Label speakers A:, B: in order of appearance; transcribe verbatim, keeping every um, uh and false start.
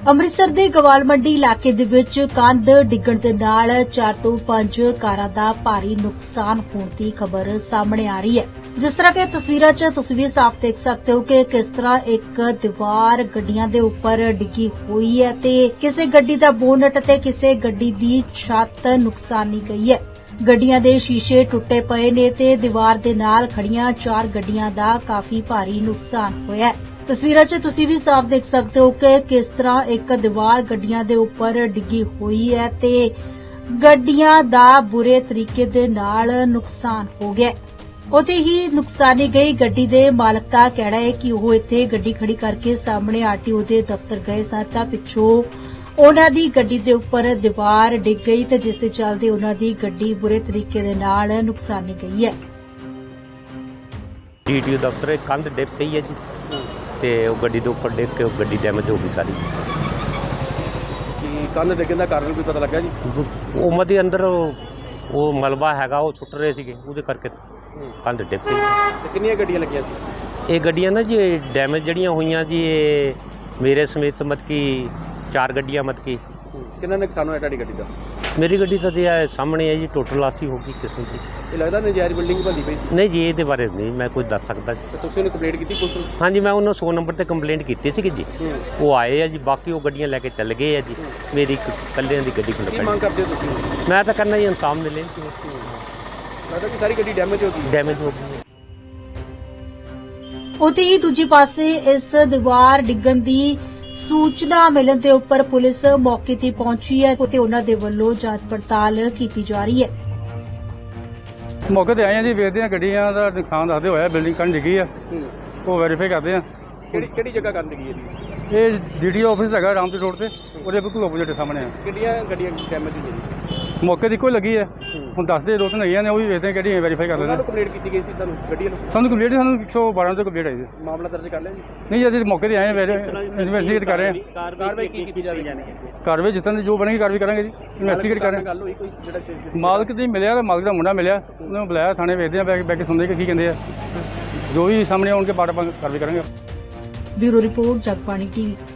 A: ਅੰਮ੍ਰਿਤਸਰ ਦੇ ਗਵਾਲ ਮੰਡੀ ਇਲਾਕੇ ਦੇ ਵਿੱਚ ਕੰਧ ਡਿੱਗਣ ਦੇ ਨਾਲ ਚਾਰ ਤੋਂ ਪੰਜ ਕਾਰਾਂ ਦਾ ਭਾਰੀ ਨੁਕਸਾਨ ਹੋਣ ਦੀ ਖਬਰ ਸਾਹਮਣੇ ਆ ਰਹੀ ਹੈ। ਜਿਸ ਤਰ੍ਹਾਂ ਕਿ ਤਸਵੀਰਾਂ 'ਚ ਤੁਸੀਂ ਵੀ ਸਾਫ਼ ਦੇਖ ਸਕਦੇ ਹੋ ਕਿ ਕਿਸ ਤਰ੍ਹਾਂ ਇੱਕ ਦੀਵਾਰ ਗੱਡੀਆਂ ਦੇ ਉੱਪਰ ਡਿੱਗੀ ਹੋਈ ਹੈ ਤੇ ਕਿਸੇ ਗੱਡੀ ਦਾ ਬੋਨਟ ਤੇ ਕਿਸੇ ਗੱਡੀ ਦੀ ਛੱਤ ਨੁਕਸਾਨੀ ਗਈ ਹੈ। ਗੱਡੀਆਂ ਦੇ ਸ਼ੀਸ਼ੇ ਟੁੱਟੇ ਪਏ ਨੇ ਤੇ ਦੀਵਾਰ ਦੇ ਨਾਲ ਖੜੀਆਂ ਚਾਰ ਗੱਡੀਆਂ ਦਾ ਕਾਫੀ ਭਾਰੀ ਨੁਕਸਾਨ ਹੋਇਆ ਹੈ। ਤਸਵੀਰਾਂ 'ਚ ਤੁਸੀਂ ਵੀ ਸਾਫ਼ ਦੇਖ ਸਕਦੇ ਹੋ ਕਿ ਕਿਸ ਤਰ੍ਹਾਂ ਇੱਕ ਦੀਵਾਰ ਗੱਡੀਆਂ ਦੇ ਉੱਪਰ ਡਿੱਗੀ ਹੋਈ ਹੈ ਤੇ ਗੱਡੀਆਂ ਦਾ ਬੁਰੇ ਤਰੀਕੇ ਦੇ ਨਾਲ ਨੁਕਸਾਨ ਹੋ ਗਿਆ। ਉੱਥੇ ਹੀ ਨੁਕਸਾਨੀ ਗਈ ਗੱਡੀ ਦੇ ਮਾਲਕ ਦਾ ਕਹਿਣਾ ਹੈ ਕਿ ਉਹ ਇੱਥੇ ਗੱਡੀ ਖੜੀ ਕਰਕੇ ਸਾਹਮਣੇ ਆਰਟੀਓ ਦੇ ਦਫ਼ਤਰ ਗਏ ਸਨ ਤਾਂ ਪਿੱਛੋਂ ਉਹਨਾਂ ਦੀ ਗੱਡੀ ਦੇ ਉੱਪਰ ਦੀਵਾਰ ਡਿੱਗ ਗਈ ਤੇ ਜਿਸ ਦੇ ਚੱਲਦੇ ਉਹਨਾਂ ਦੀ ਗੱਡੀ ਬੁਰੇ ਤਰੀਕੇ ਦੇ ਨਾਲ ਨੁਕਸਾਨੀ ਗਈ ਹੈ।
B: ਡੀਟੀਓ ਦਫ਼ਤਰ ਕੰਧ ਡਿੱਗ ਪਈ ਹੈ ਜੀ ਤੇ ਉਹ ਗੱਡੀ ਦੇ ਉੱਪਰ ਡਿੱਗ ਕੇ ਉਹ ਗੱਡੀ ਡੈਮੇਜ ਹੋ ਗਈ ਸਾਰੀ।
C: ਕੀ ਕੰਧ ਡਿੱਗਣ ਦਾ ਕਾਰਨ ਕੋਈ ਪਤਾ ਲੱਗਾ ਜੀ?
B: ਉਹ ਮਦੇ ਅੰਦਰ ਉਹ ਮਲਬਾ ਹੈਗਾ ਉਹ ਸੁੱਟ ਰਹੇ ਸੀਗੇ ਉਹਦੇ ਕਰਕੇ ਕੰਧ ਡਿੱਗ ਪਈ।
C: ਤੇ ਕਿੰਨੀਆਂ ਗੱਡੀਆਂ ਲੱਗੀਆਂ ਸੀ?
B: ਇਹ ਗੱਡੀਆਂ ਨਾ ਜੀ ਡੈਮੇਜ ਜਿਹੜੀਆਂ ਹੋਈਆਂ ਜੀ ਇਹ ਮੇਰੇ ਸਮੇਤ ਮਤ ਕੀ ਚਾਰ ਗੱਡੀਆਂ ਮਤ ਕੀ।
C: ਕਿੰਨਾ ਨੁਕਸਾਨ ਹੋਇਆ ਤੁਹਾਡੀ ਗੱਡੀ ਦਾ?
B: ਮੇਰੀ ਗੱਡੀ ਤਾਂ ਜੀ ਇਹ ਸਾਹਮਣੇ ਹੈ ਜੀ ਟੋਟਲ ਲਾਸੀ ਹੋ ਗਈ ਕਿਸਮ ਦੀ।
C: ਇਹ ਲੱਗਦਾ ਨਜਾਇਜ਼ ਬਿਲਡਿੰਗ ਭੰਦੀ ਪਈ ਸੀ?
B: ਨਹੀਂ ਜੀ ਇਹਦੇ ਬਾਰੇ ਨਹੀਂ ਮੈਂ ਕੁਝ ਦੱਸ ਸਕਦਾ ਜੀ।
C: ਤੇ ਤੁਸੀਂ ਉਹਨੂੰ ਕੰਪਲੇਂਟ ਕੀਤੀ ਪੁਲਿਸ ਨੂੰ?
B: ਹਾਂਜੀ ਮੈਂ ਉਹਨਾਂ ਸੌ ਨੰਬਰ ਤੇ ਕੰਪਲੇਂਟ ਕੀਤੀ ਸੀਗੀ ਜੀ। ਉਹ ਆਏ ਆ ਜੀ ਬਾਕੀ ਉਹ ਗੱਡੀਆਂ ਲੈ ਕੇ ਚੱਲ ਗਏ ਆ ਜੀ। ਮੇਰੀ ਇੱਕ ਇਕੱਲਿਆਂ ਦੀ ਗੱਡੀ
C: ਕੀ ਮੰਗ ਕਰਦੇ ਹੋ ਤੁਸੀਂ?
B: ਮੈਂ ਤਾਂ ਕਰਨਾ ਜੀ ਇਨਸਾਫ ਮਿਲੇ।
C: ਲੱਗਦਾ ਕਿ ਸਾਰੀ ਗੱਡੀ ਡੈਮੇਜ ਹੋ ਗਈ।
B: ਡੈਮੇਜ ਹੋ ਗਈ।
A: ਉੱਥੇ ਹੀ ਦੂਜੇ ਪਾਸੇ ਇਸ ਦੀਵਾਰ ਡਿੱਗਣ ਦੀ ਸੂਚਨਾ ਮਿਲਣ ਦੇ ਉੱਪਰ ਪੁਲਿਸ ਮੌਕੇ ਤੇ ਪਹੁੰਚੀ ਹੈ ਤੇ ਉਹਨਾਂ ਦੇ ਵੱਲੋਂ ਜਾਂਚ ਪੜਤਾਲ ਕੀਤੀ ਜਾ ਰਹੀ ਹੈ।
D: ਮੌਕੇ ਤੇ ਆਏ ਆ ਜੀ, ਵੇਖਦੇ ਆ ਗੱਡੀਆਂ ਦਾ ਨੁਕਸਾਨ ਦੱਸਦੇ ਹੋਇਆ ਬਿਲਡਿੰਗ ਕੰਨ ਡਿੱਗੀ ਆ ਉਹ ਵੈਰੀਫਾਈ ਕਰਦੇ ਆ।
C: ਕਿਹੜੀ ਕਿਹੜੀ ਜਗ੍ਹਾ ਕੰਧ ਡਿੱਗੀ ਇਹਦੀ?
D: ਇਹ ਡੀਡੀਓ ਆਫਿਸ ਹੈਗਾ ਰਾਮਪੁਰ ਰੋਡ ਤੇ ਉਹਦੇ ਬਿਲਕੁਲ ਆਪੋਜ਼ਿਟ ਸਾਹਮਣੇ ਆ।
C: ਕਿਹੜੀਆਂ ਗੱਡੀਆਂ ਡੈਮੇਜ ਹੋਈਆਂ?
D: ਮੌਕੇ ਦੀ ਇੱਕੋ ਲੱਗੀ ਹੈ। ਹੁਣ ਦੱਸਦੇ ਦੋ ਤਿੰਨ ਹੈਗੀਆਂ ਨੇ ਉਹ ਵੀ ਵੇਖਦੇ ਆ ਕਿਹੜੀਆਂ ਵੈਰੀਫਾਈ ਕਰ ਲੈਂਦੇ
C: ਉਹਨਾਂ ਨੂੰ ਕੰਪਲੇਂਟ ਕੀਤੀ ਗਈ ਸੀ ਤੁਹਾਨੂੰ ਗੱਡੀਆਂ ਨੂੰ?
D: ਸਾਨੂੰ ਕੰਪਲੀਟ ਸਾਨੂੰ ਇੱਕ ਸੌ ਬਾਰਾਂ ਤੋਂ ਕੰਪਲੀਟ ਆਈ ਸੀ।
C: ਮਾਮਲਾ ਦਰਜ ਕਰ ਲਿਆ ਜੀ?
D: ਨਹੀਂ ਅਜੇ ਮੌਕੇ ਤੇ ਆਏ ਆ ਇਨਵੈਸਟੀਗੇਟ ਕਰ ਰਹੇ ਆ।
C: ਕਾਰਵਾਈ ਕੀ ਕੀਤੀ ਜਾਵੇਗੀ?
D: ਕਾਰਵਾਈ ਜਿਸ ਤਰ੍ਹਾਂ ਦੀ ਜੋ ਬਣੇਗੀ ਕਾਰਵਾਈ ਕਰਾਂਗੇ ਜੀ। ਇਨਵੈਸਟੀਗੇਟ ਕਰ ਰਹੇ
C: ਗੱਲ ਹੋਈ ਕੋਈ ਜਿਹੜਾ
D: ਮਾਲਕ ਦੀ ਮਿਲਿਆ ਤਾਂ ਮਾਲਕ ਦਾ ਮੁੰਡਾ ਮਿਲਿਆ ਉਹਨੂੰ ਬੁਲਾਇਆ ਥਾਣੇ, ਵੇਖਦੇ ਆ ਬੈ ਬੈ ਕੇ ਸੁਣਦੇ ਕਿ ਕੀ ਕਹਿੰਦੇ ਆ। ਜੋ ਵੀ ਸਾਹਮਣੇ ਆਉਣਗੇ ਬਾਅਦ ਆਪਾਂ ਕਾਰਵਾਈ ਕਰਾਂਗੇ।
A: Bureau report Jagbani TV.